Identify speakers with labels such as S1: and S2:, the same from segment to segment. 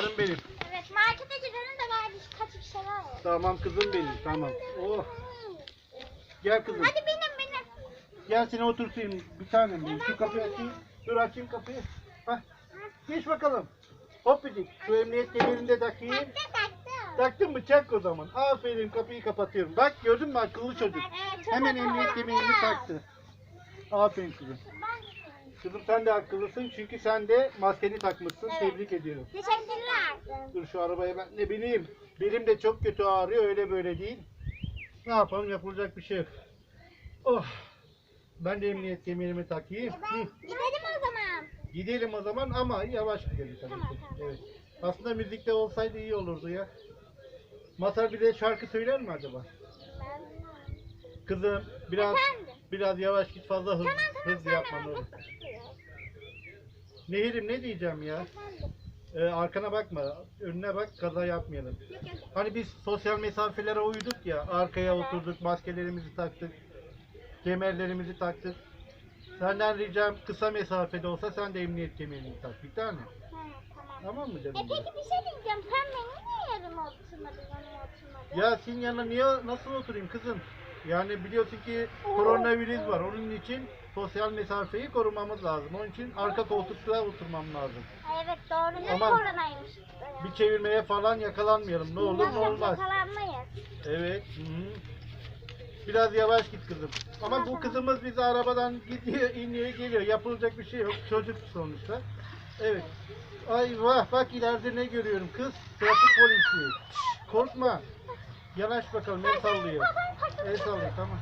S1: Canım benim.
S2: Evet, markete gidelim de var birkaç bir şeyler var.
S1: Tamam kızım benim. Tamam. Oh. Gel kızım.
S2: Hadi benim.
S1: Gel seni oturtayım. Bir tanem benim. Şu kapıyı açayım. Dur açayım kapıyı. Hah. Geç bakalım. Hop dedik. Şu emniyet kemerini de takayım.
S2: Taktım.
S1: Taktın mı? Çak o zaman. Aferin, kapıyı kapatıyorum. Bak gördün mü akıllı çocuk.
S2: Evet, çok
S1: Hemen
S2: akıllı.
S1: emniyet kemerini taktı. Aferin kızım. Kızım sen de akıllısın çünkü sen de maskeni takmışsın.
S2: Evet.
S1: Tebrik ediyorum.
S2: Teşekkürler.
S1: Dur şu arabaya ben ne bileyim. Belim de çok kötü ağrıyor, öyle böyle değil. Ne yapalım, yapılacak bir şey yok. Oh. Ben de emniyet kemerimi takayım. Hı.
S2: Gidelim o zaman.
S1: Gidelim o zaman ama yavaş gidelim tabii
S2: Tamam,
S1: ki.
S2: tamam.
S1: Evet. Aslında müzikte olsaydı iyi olurdu ya. Masar bir de şarkı söyler mi acaba? Kızım biraz
S2: Efendim?
S1: biraz yavaş git, fazla hız
S2: Tamam
S1: hız
S2: sen
S1: yapma ne
S2: merak
S1: olur.
S2: etme.
S1: Nehirim ne diyeceğim ya?
S2: Efendim?
S1: Arkana bakma, önüne bak, kaza yapmayalım.
S2: Yok, yok.
S1: Hani biz sosyal mesafelere uyduk ya, arkaya
S2: Evet.
S1: oturduk, maskelerimizi taktık, kemerlerimizi taktık. Senden ricam kısa mesafede olsa sen de emniyet kemerini tak bir tane.
S2: Tamam.
S1: Tamam mı canım?
S2: Peki bir şey diyeceğim. Sen benim niye yerime oturmadın, yanıma oturmadın?
S1: Ya senin yanına niye nasıl oturayım kızım? Yani biliyorsun ki koronavirüs var. Onun için sosyal mesafeyi korumamız lazım. Onun için arka koltukta oturmam lazım.
S2: Ay, evet doğru. Ne
S1: Aman.
S2: koronaymış işte ya.
S1: Bir çevirmeye falan yakalanmayalım. Ne olur ne
S2: Yok,
S1: olmaz.
S2: yakalanmayız.
S1: Evet. Hı-hı. Biraz yavaş git kızım. Ama bu kızımız bizi arabadan gidiyor, iniyor, geliyor. Yapılacak bir şey yok. Çocuk sonuçta. Evet. Ay vah, bak ileride ne görüyorum kız? Trafik polisi. Şşş, korkma. Yanaş bakalım, el sallıyor. El sallıyor, tamam.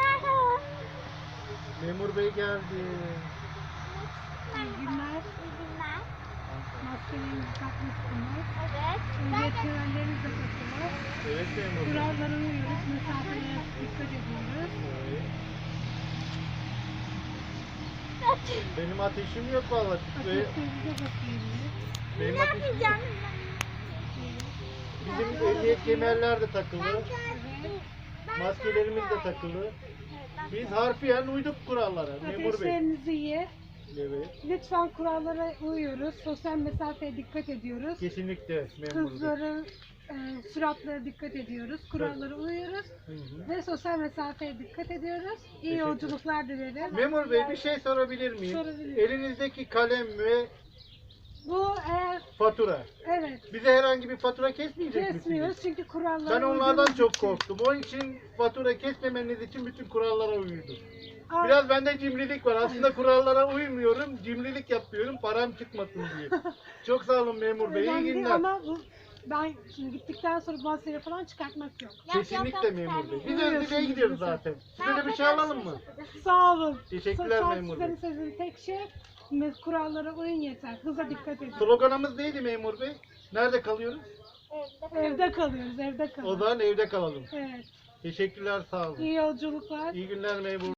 S1: Memur bey geldi.
S2: İyi günler. İyi günler.
S3: Maskelerinizi takmışsınız.
S2: Evet.
S3: Emniyet kemerlerinizi de takıyoruz.
S1: Evet memur bey.
S3: Kurallara uyuyoruz. Mesafeye dikkat ediyoruz.
S1: Evet. Benim ateşim yok vallahi.
S3: Ateşlerinize bakıyoruz.
S1: Benim
S2: Ne
S1: ateşim yok.
S2: yapacağım?
S1: Bizim emniyet kemerler de takılı.
S2: Ben
S1: Maskelerimiz de takılı. Biz harfiyen uyduk kurallara memur bey.
S3: Ateşlerinizi iyi.
S1: Evet.
S3: Lütfen kurallara uyuyoruz. Sosyal mesafeye dikkat ediyoruz.
S1: Kesinlikle memur bey.
S3: Hızları, süratlere dikkat ediyoruz. Kurallara uyuyoruz.
S1: Hı hı.
S3: Ve sosyal mesafeye dikkat ediyoruz. İyi
S1: Teşekkür
S3: yolculuklar dilerim.
S1: Memur bey bir şey sorabilir miyim?
S3: Sorabilirim.
S1: Elinizdeki kalem ve
S3: Bu eğer
S1: fatura.
S3: evet
S1: Bize herhangi bir fatura kesmeyecek
S3: kesmiyoruz
S1: misiniz?
S3: çünkü kurallara
S1: Ben onlardan
S3: uyduğumuz
S1: çok
S3: için.
S1: korktum. Onun için fatura kesmemeniz için bütün kurallara uydum.
S3: Aa,
S1: Biraz bende cimrilik var. Aslında kurallara uymuyorum. Cimrilik yapıyorum. Param çıkmasın diye. Çok sağ olun memur bey. İyi
S3: önemli değil
S1: günler.
S3: ama bu, ben şimdi gittikten sonra maskeyi falan çıkartmak yok.
S1: Kesinlikle memur bey. Biz
S3: Uyuyorsunuz
S1: Özdebe'ye gidiyoruz
S3: lütfen.
S1: zaten. Size de bir şey alalım mı?
S3: Sağ olun.
S1: Teşekkürler
S3: Sosyal
S1: memur bey.
S3: sizin tek şey kurallara uyun yeter. Hıza dikkat edin.
S1: Sloganımız neydi memur bey? Nerede kalıyoruz?
S3: Evde kalıyoruz, evde
S1: O
S3: kalıyoruz.
S1: zaman evde kalalım.
S3: Evet.
S1: Teşekkürler, sağ olun.
S3: İyi yolculuklar.
S1: İyi günler memur.